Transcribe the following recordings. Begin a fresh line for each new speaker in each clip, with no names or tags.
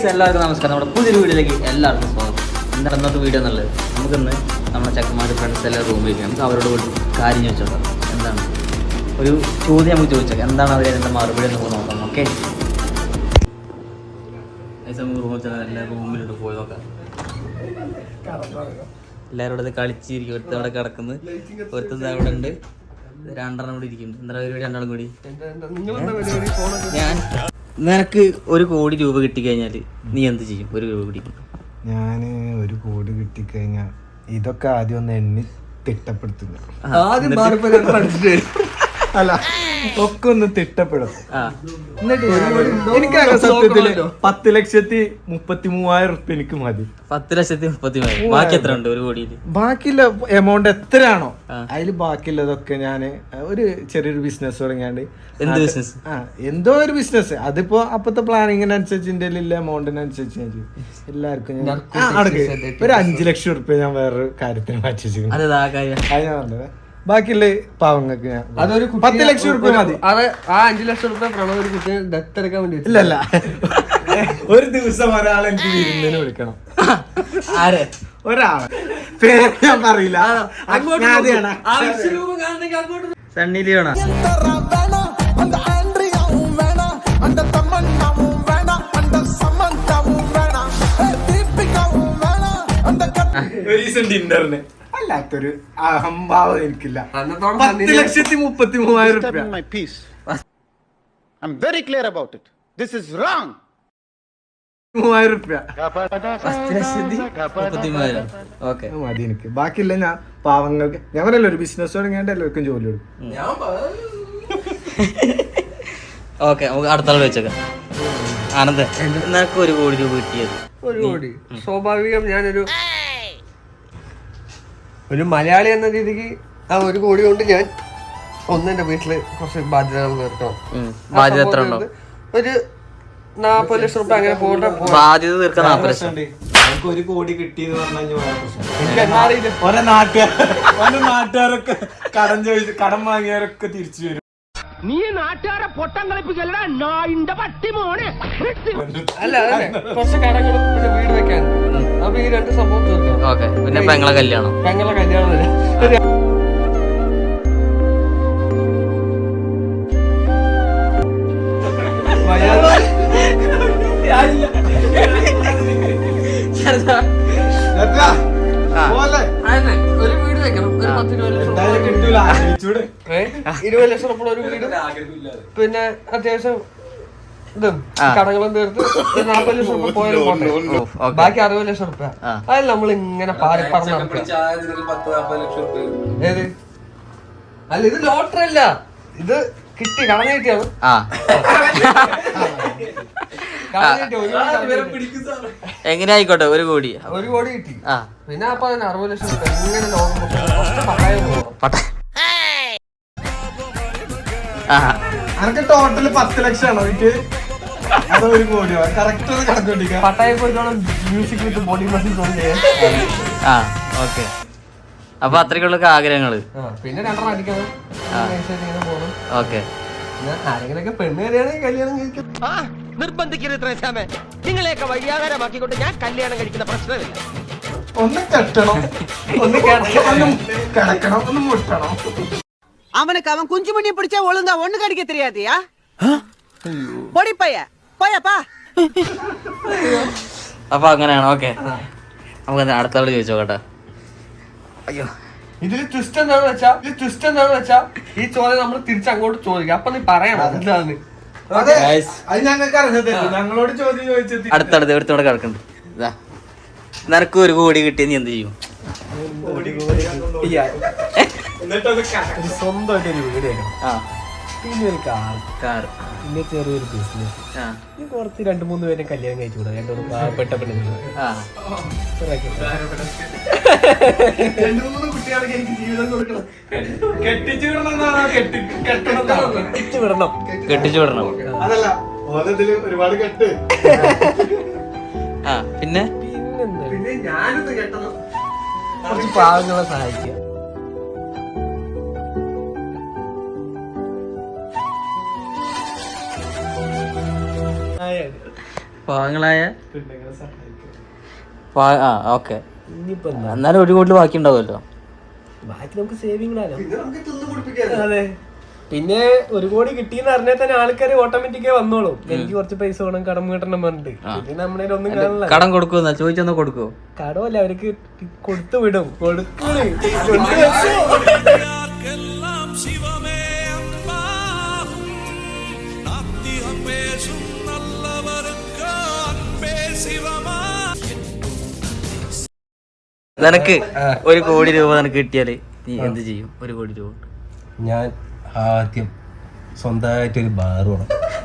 എല്ലാവർക്കും നമസ്കാരം. നമ്മുടെ പുതിയൊരു വീഡിയോയിലേക്ക് എല്ലാവർക്കും സ്വാഗതം. എന്താണ് ഇന്നത്തെ വീഡിയോ എന്നുള്ളത്? നമുക്കിന്ന് നമ്മുടെ ചക്കന്മാരുടെ ഫ്രണ്ട്സ് എല്ലാം റൂമിലേക്ക് നമുക്ക് അവരോട് ഒരു കാര്യം ചോദിച്ചോക്കാം. എന്താണ് ഒരു ചോദ്യം നമുക്ക് ചോദിച്ചേക്കാം, എന്താണ് അവർ അതിൻ്റെ മറുപടി നമുക്ക് നോക്കാം. ഓക്കെ, നമുക്ക് എല്ലാ റൂമിലോട്ട് പോയി നോക്കാം. എല്ലാവരും ഇവിടെ കളിച്ചിരിക്കും. ഒരുത്തം അവിടെ കിടക്കുന്നു, ഒരുത്തം അവിടെ ഉണ്ട്, രണ്ടെണ്ണം കൂടി ഇരിക്കുന്നു. എന്താ പരിപാടി? രണ്ടാളും കൂടി ഞാൻ നിനക്ക് 1 കോടി രൂപ കിട്ടിക്കഴിഞ്ഞാൽ നീ എന്ത് ചെയ്യും? 1 രൂപ പിടിക്കും.
ഞാൻ 1 കോടി കിട്ടിക്കഴിഞ്ഞാൽ ഇതൊക്കെ ആദ്യം ഒന്ന് എണ്ണി തിട്ടപ്പെടുത്തുക. അല്ല, ഒക്കെ ഒന്ന് തിട്ടപ്പെടും. എനിക്കങ്ങനെ സത്യത്തില് 10,33,000 റുപ്യ എനിക്ക് മതി.
10,33,000. ബാക്കി എത്ര ഉണ്ട് 1 കോടിയിൽ?
ബാക്കിയുള്ള എമൗണ്ട് എത്രയാണോ അതിൽ ബാക്കിയുള്ളതൊക്കെ ഞാൻ ഒരു ചെറിയൊരു ബിസിനസ് തുടങ്ങിയാണ്ട്.
എന്ത് ബിസിനസ്?
എന്തോ ഒരു ബിസിനസ്. അതിപ്പോ അപ്പത്തെ പ്ലാനിങ്ങിനനുസരിച്ച് എന്റെ എമൗണ്ടിനനുസരിച്ച് ഞാൻ ചെയ്യും. എല്ലാവർക്കും ഒരു 5 ലക്ഷം റുപ്യ ഞാൻ വേറൊരു കാര്യത്തിന് മാറ്റി വെച്ചിരിക്കുന്നു. അത് ഞാൻ പറഞ്ഞത്. ബാക്കിയുള്ള പാവങ്ങൾക്ക് ഞാൻ 10 ലക്ഷം റുപ്യ മതി.
അത് ആ 5 ലക്ഷം റുപ്യ പ്രണവ് ഒരു കുട്ടിയെ ദത്തെടുക്കാൻ വേണ്ടി.
ഇല്ലല്ല, ഒരു ദിവസം ഒരാളെ എനിക്ക് വിരുന്നിന് വിളിക്കണം.
ആരെ?
ഒരാളെ പേര് ഞാൻ പറയില്ല.
സണ്ണി ലിയോണാ?
ഡിന്നറിന് അല്ലാത്തൊരു അഹംഭാവം എനിക്കില്ല. 10,33,000 റുപ്യ.
I'm very clear about it. This is wrong.
3,000 റുപ്യ
10,33,000. ഓക്കെ,
മതി എനിക്ക്. ബാക്കിയില്ല ഞാൻ പാവങ്ങൾക്ക്. ഞാൻ പറയല്ലോ ഒരു ബിസിനസ് തുടങ്ങിയാണ്ട് എല്ലാവർക്കും ജോലി കൊടുക്കും.
ഓക്കെ, നമുക്ക് അടുത്ത ആൾ വെച്ചേക്കാം. ആനന്ദ്, നിനക്ക് 1 കോടി രൂപ കിട്ടിയത്?
1 കോടി സ്വാഭാവികം. ഞാനൊരു മലയാളി എന്ന രീതിക്ക് ആ 1 കോടി കൊണ്ട് ഞാൻ എന്റെ വീട്ടില് കുറച്ച് ബാധ്യതകൾ തീർക്കണം.
ബാധ്യത എത്ര ഉണ്ടോ?
ഒരു 40 ലക്ഷം റുപ്യ അങ്ങനെ പോകട്ടെ.
ബാധ്യത തീർക്കാൻ 40 ലക്ഷം.
1 കോടി കിട്ടിയെന്ന് പറഞ്ഞാൽ നാട്ടുകാരൊക്കെ കടം വാങ്ങിയവരൊക്കെ തിരിച്ചു വരും.
നീ നാട്ടുകാരെ പൊട്ടം കളിപ്പിക്കല്ലടാ നായിന്റെ പട്ടി മോനെ.
അല്ല, കുറച്ച് കടങ്ങളും പിന്നെ വീട് വെക്കാൻ. അപ്പൊ ഈ 2 സംഭവം തീർക്കാം.
ഓക്കെ, പിന്നെ പെങ്ങളെ കല്യാണം.
ഒരു വീട് വെക്കണം. ഒരു 10-20 ലക്ഷം 20 ലക്ഷം റുപ്യ ഒരു വീട്. പിന്നെ അത്യാവശ്യം ഇതും കടകളും തീർത്ത് 40 ലക്ഷം റുപ്യ പോയാലും പോട്ടെ. ബാക്കി 60 ലക്ഷം റുപ്യ അതിൽ നമ്മൾ ഇങ്ങനെ പാടി പറഞ്ഞു. ഏത്? അല്ല, ഇത് ലോട്ടറി അല്ല, ഇത് കിട്ടി കടം കിട്ടിയാണ്.
എങ്ങനെ ആയിക്കോട്ടെ, 1 കോടി.
1 കോടി കിട്ടി. പിന്നെ അപ്പൊ 60 ലക്ഷം റുപ്യ ഇങ്ങനെ ലോകം
അനക്ക് ടോട്ടല് 10 ലക്ഷമാണോ ഇത്? അത് 1 കോടിയോ? കറക്റ്റ് കണക്ക്
പട്ടായ പോയിട്ടോളം music with body muscles.
Okay, അപ്പൊ അത്രയ്ക്കുള്ള ആഗ്രഹങ്ങള്.
പിന്നെ 2 അടിക്കണം.
ഓക്കെ,
ആരെങ്കിലൊക്കെ പെണ്ണ് കല്യാണെങ്കിൽ കല്യാണം കഴിക്കും.
നിർബന്ധിക്കരുത് ത്രേസ്യാമേ. നിങ്ങളെയൊക്കെ വഴിയാകാരമാക്കിക്കൊണ്ട് ഞാൻ കല്യാണം കഴിക്കുന്ന പ്രശ്നമില്ല.
ഒന്ന് കെട്ടണം, ഒന്ന് കിടക്കണം, ഒന്ന് മുട്ടണം.
அவனுக்கு அவன் குஞ்சு மணியை பிடிச்சா ஒழுங்கா ஒண்ணு கடிக்க தெரியாதியா? பொடி பைய போயப்பா.
അപ്പൊ അങ്ങനെയാണ്. ഓക്കെ, നമുക്ക് അടുത്ത ആള് ചോദിച്ചോക്കട്ടെ. അയ്യോ,
ഇതിൽ ട്വിസ്റ്റ് എന്താണെന്ന് വെച്ചാ ഈ ചോദ്യം നമ്മൾ തിരിച്ചങ്ങോട്ട് ചോദിക്കാം. അപ്പൊ നീ പറയണം എന്താണ്.
ഞങ്ങളോട് ചോദ്യം ചോദിച്ചത്
അടുത്തടുത്ത് എടുത്തോടെ കിടക്കണ്ട്. നിനക്ക് 1 കോടി കിട്ടിയ നീ എന്ത് ചെയ്യും?
സ്വന്തമായിട്ട് ഒരു വീട് വെക്കണം. പിന്നെ ഒരു കാർ, പിന്നെ ചെറിയൊരു ബിസിനസ്. കുറച്ച് 2-3 പേരെ കല്യാണം കഴിച്ചുകൂടാ? 2 പാവപ്പെട്ട പെണ്ണുങ്ങൾ. 2-3 കുട്ടികൾക്ക് എനിക്ക് ജീവിതം കൊടുക്കണം. കെട്ടിച്ചു വിടണം. അതല്ല, ഓരത്തില് ഒരുപാട് കെട്ട്.
പിന്നെ
ഞാനൊന്ന് കെട്ടണം.
കുറച്ച് പാവങ്ങളെ സഹായിക്കുക.
പാവങ്ങളായ ഓക്കെ. എന്നാലും 1 കോടി ബാക്കി ഉണ്ടാവുമല്ലോ.
ബാക്കി നമുക്ക് സേവിങ്ങിലാണോ. അതെ, പിന്നെ 1 കോടി കിട്ടിയെന്ന് അറിഞ്ഞാൽ തന്നെ ആൾക്കാർ ഓട്ടോമാറ്റിക്കായി വന്നോളും. എനിക്ക് കുറച്ച് പൈസ വേണം, കടം വീട്ടണം പറഞ്ഞിട്ട്. പിന്നെ നമ്മുടെ ഒന്നും കാണില്ല.
കടം കൊടുക്കുമെന്നാ ചോദിച്ചൊന്ന് കൊടുക്കുവോ?
കടമല്ല, അവർക്ക് കൊടുത്തു വിടും.
നിനക്ക് 1 കോടി രൂപ നിനക്ക് കിട്ടിയാല് നീ എന്ത് ചെയ്യും? 1 കോടി രൂപ
ഞാൻ ആദ്യം സ്വന്തമായിട്ടൊരു ബാർ വേണം.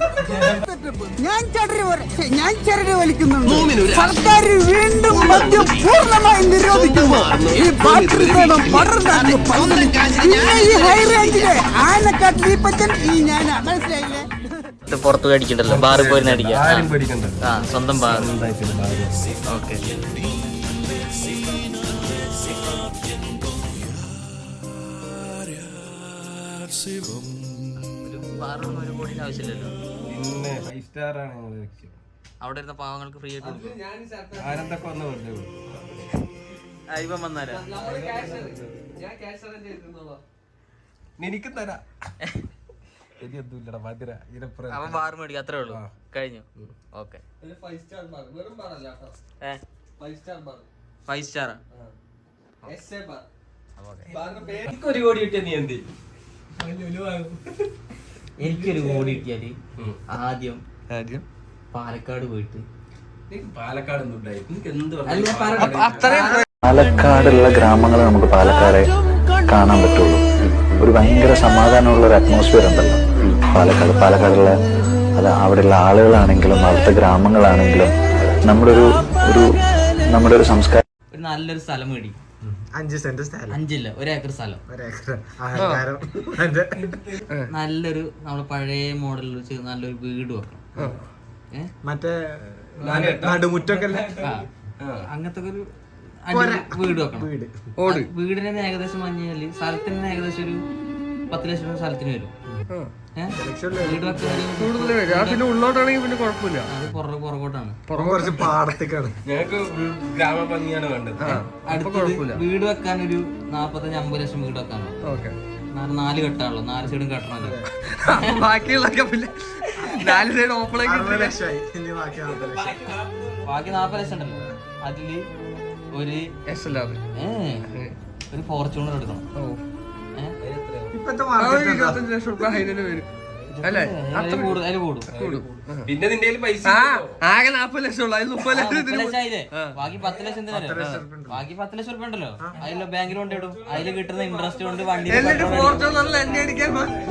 ഞാൻ ചരട് വലിക്കുന്നുണ്ട്. സർക്കാർ വീണ്ടും മദ്യം പൂർണ്ണമായി നിരോധിക്കുന്നു. ഈ ബാറ്ററി വേണം പടർന്നു. ഈ ഹൈ റേഞ്ചിലെ ആനക്കാട്ടിൽ ഈ പച്ചൻ ഈ ഞാൻ മനസ്സിലായില്ലേ.
പുറത്ത് അടിക്കണ്ടല്ലോ, ബാറിൽ പോയി അടിക്കാം.
ആരും പേടിക്കണ്ട,
സ്വന്തം ബാർ.
സ്വന്തമായിട്ടൊരു ബാർ.
ഓക്കെ. ബാറിനൊന്നും 1 കോടിയുടെ ആവശ്യമില്ലല്ലോ.
പിന്നെ 5 സ്റ്റാർ ആണ് ഞങ്ങളുടെ ലക്ഷ്യം.
അവിടെ ഇരുന്ന പാവങ്ങൾക്ക് ഫ്രീ ആയിട്ട് കൊടുക്കും.
ആരെന്തൊക്കെ വന്ന് വെറുതെ
ഇവൻ വന്നാലാ
എനിക്ക് തരാം. എനിക്കൊന്നുമില്ലടാ മധുര ഇതിനപ്പുറം.
അവൻ ബാർ മേടിക്കും, അത്രേ ഉള്ളൂ. കഴിഞ്ഞു. ഓക്കെ.
5 സ്റ്റാർ ബാർ, വെറും ബാറല്ല കേട്ടോ. 5 star bar,
5 star.
SA bar.
എനിക്ക് 1 കോടി കിട്ടിയ നീ എന്ത്?
എനിക്കൊരു കോടി കിട്ടിയാല് ആദ്യം പാലക്കാട് പോയിട്ട്
പാലക്കാടൊന്നും ഉണ്ടായി എനിക്ക് എന്ത്
പാലക്കാടുള്ള ഗ്രാമങ്ങൾ നമുക്ക് പാലക്കാരെ കാണാൻ പറ്റുള്ളൂ. ഒരു ഭയങ്കര സമാധാനമുള്ള ഒരു അറ്റ്മോസ്ഫിയർ ഉണ്ടല്ലോ പാലക്കാടുള്ള അത് അവിടെയുള്ള ആളുകളാണെങ്കിലും അവിടുത്തെ ഗ്രാമങ്ങളാണെങ്കിലും നമ്മുടെ ഒരു സംസ്കാരം.
ഒരു നല്ലൊരു സ്ഥലം മേടിക്കും.
5 സെന്റ് സ്ഥലം.
5 ഇല്ല, 1 ഏക്കർ സ്ഥലം. നല്ലൊരു നമ്മുടെ പഴയ മോഡലിൽ വെച്ച് നല്ലൊരു വീട് വെക്കണം.
മറ്റേ നടുമുറ്റൊക്കെ
അങ്ങനത്തെ ഒരു വീട് വെക്കണം. വീടിന് ഏകദേശം പറഞ്ഞാല് സ്ഥലത്തിന് ഏകദേശം ഒരു 10 ലക്ഷം രൂപ സ്ഥലത്തിന് വരും. വീട് വെക്കാൻ
ഉള്ളോട്ടാണെങ്കിൽ പിന്നെ കുഴപ്പമില്ല.
അത് പുറകോട്ടാണ്,
കുറച്ച് പാടത്തേക്കാണ്.
ഞങ്ങൾക്ക് ഗ്രാമ ഭംഗിയാണ് വേണ്ടത്.
വീട് വെക്കാൻ ഒരു 45-50 ലക്ഷം വീട് വെക്കാനോ. 4 കെട്ടാണല്ലോ, 4 സൈഡും കെട്ടണല്ലോ.
ബാക്കിയുള്ളൊക്കെ പിന്നെ 4 സൈഡ് ഓപ്പൺ
ബാക്കി 40 ലക്ഷം ഉണ്ടല്ലോ, അതില് ഒരു ഫോർച്യൂണർ എടുക്കണം.
$25 ലക്ഷം വരും അല്ലേ?
അതില് കൂടും.
പിന്നെ നിന്റെ പൈസ
ആകെ 40 ലക്ഷം ഉള്ളു, അതിൽ 30 ലക്ഷം
ബാക്കി 10 ലക്ഷം ബാക്കി 10 ലക്ഷം റുപ്യ ഉണ്ടല്ലോ, അതിൽ ബാങ്കിൽ കൊണ്ടിടും. അതിൽ കിട്ടുന്ന ഇൻട്രസ്റ്റ് കൊണ്ട് വണ്ടി
എണ്ണ അടിക്കാൻ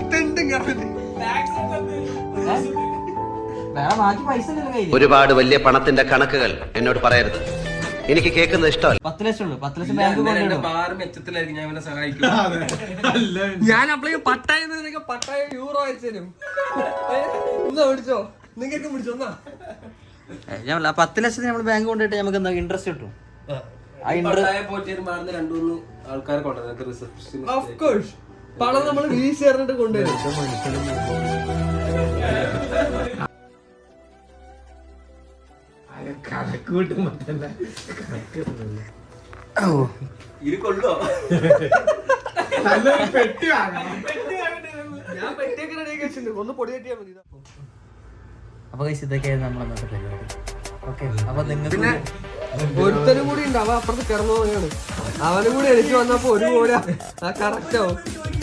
വേറെ ബാക്കി പൈസ കയ്യിൽ.
ഒരുപാട് വലിയ പണത്തിന്റെ കണക്കുകൾ എന്നോട് പറയരുത്, എനിക്ക് കേൾക്കുന്നത് ഇഷ്ടമല്ല.
10 ലക്ഷം ഉള്ളു, 10 ലക്ഷം ബാങ്ക് കൊണ്ടിടും.
മെച്ചത്തിലായിരിക്കും ഞാൻ സഹായിക്കും.
ഞാൻ അപ്പളേക്ക് പട്ടായ യൂറോ അയച്ചു തരും. എന്നാ പിടിച്ചോ, നിങ്ങൾക്ക് പിടിച്ചോ.
ഞാൻ 10 ലക്ഷത്തിന് നമ്മൾ ബാങ്ക് കൊണ്ടിട്ട് നമുക്ക് എന്താ ഇൻട്രസ്റ്റ് കിട്ടും.
ആൾക്കാരെ കൊണ്ടുവരും റിസപ്ഷൻ.
ഓഫ് കോഴ്സ് പണം നമ്മൾ വീശി എറിഞ്ഞിട്ട് കൊണ്ടുവരും.
കണക്ക് കൂട്ടുമ്പോ തന്നെ
ഇത് കൊള്ളോ?
നല്ലൊരു പെട്ടി വാങ്ങണം.
ഞാൻ പെട്ടിയൊക്കെ റെഡി വെച്ചിട്ടുണ്ട്, ഒന്ന് പൊടി കെട്ടിയാൽ മതി.
അപ്പൊ ഇതൊക്കെയായിരുന്നു നമ്മൾ അന്നത്തെ പരിപാടി. ഓക്കെ, അപ്പൊ നിങ്ങൾക്ക്
പിന്നെ ഒരുത്തനും കൂടി ഉണ്ട്, അവൻ അപ്പുറത്ത് കിടന്നു പോയാണ്. അവനും കൂടി എനിക്ക് വന്നപ്പോ 1 കോടി കറക്റ്റ് ആവും.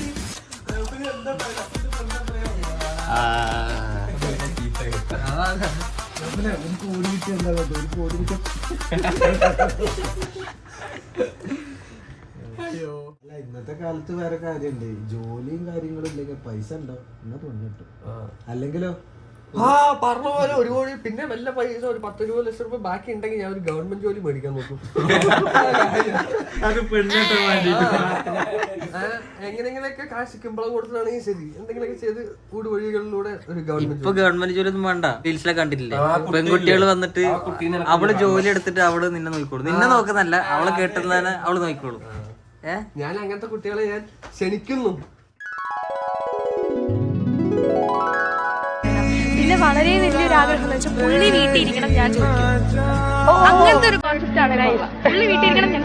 ഇന്നത്തെ കാലത്ത് വേറെ കാര്യമുണ്ട്, ജോലിയും കാര്യങ്ങളും ഇല്ലെങ്കിൽ പൈസ ഉണ്ടോ എന്നാ തോന്നിട്ടു. അല്ലെങ്കിലോ
പറഞ്ഞ പോലെ 1 കോടി പിന്നെ വല്ല പൈസ ഒരു 10-20 ലക്ഷം രൂപ ബാക്കി ഉണ്ടെങ്കിൽ ഞാൻ ഒരു ഗവൺമെന്റ് ജോലി മേടിക്കാൻ നോക്കും.
അത് പെണ്ണിട്ട്
എങ്ങനെയെങ്കിലൊക്കെ കാശ് കിമ്പളം കൊടുത്തിട്ടാണെങ്കിൽ ശരി, എന്തെങ്കിലുമൊക്കെ ചെയ്ത് വഴികളിലൂടെ ഒരു
ഇപ്പൊ ഗവൺമെന്റ് ജോലി ഒന്നും വേണ്ട. റീൽസിലൊക്കെ കണ്ടിട്ടില്ലേ, പെൺകുട്ടികൾ വന്നിട്ട് അവള് ജോലി എടുത്തിട്ട് അവള് നിന്നെ നോക്കിക്കോളൂ. നിന്നെ നോക്കുന്നല്ല, അവളെ കേട്ടുന്നതന്നെ അവള് നോക്കിക്കോളൂ.
ഞാൻ അങ്ങനത്തെ കുട്ടികളെ ഞാൻ ക്ഷണിക്കുന്നു.
പിന്നെ വളരെ വലിയൊരു ആഗ്രഹം എന്ന് വെച്ചാൽ പുള്ളി വീട്ടിൽ ഇരിക്കണം ഞാൻ ചോദിക്കും. അങ്ങനത്തെ ഒരു കോൺസെപ്റ്റ് ആണ് പുള്ളി വീട്ടിൽ ഇരിക്കണം ഞാൻ.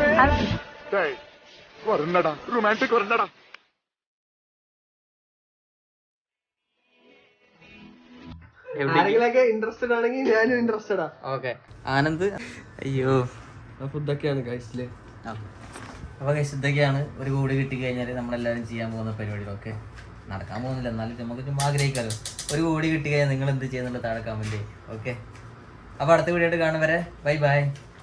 ആരെങ്കിലൊക്കെ ഇൻട്രസ്റ്റഡ് ആണെങ്കിൽ ഞാനും ഇൻട്രസ്റ്റഡാ.
ഓക്കെ ആനന്ദ്. അയ്യോ
ഫുഡൊക്കെയാണ് കഴിച്ചില്ലേ.
അപ്പോൾ ഇതൊക്കെയാണ് ഒരു കോടി കിട്ടിക്കഴിഞ്ഞാൽ നമ്മളെല്ലാവരും ചെയ്യാൻ പോകുന്ന പരിപാടികളൊക്കെ. നടക്കാൻ പോകുന്നില്ല, എന്നാലും നമുക്ക് ചുമ്മാ ആഗ്രഹിക്കാമല്ലോ. ഒരു കോടി കിട്ടിക്കഴിഞ്ഞാൽ നിങ്ങൾ എന്ത് ചെയ്യുന്നുള്ള താഴെ കമൻറ്റ്. ഓക്കെ, അപ്പോൾ അടുത്ത വീഡിയോ ആയിട്ട് കാണും വരെ ബൈ ബൈ.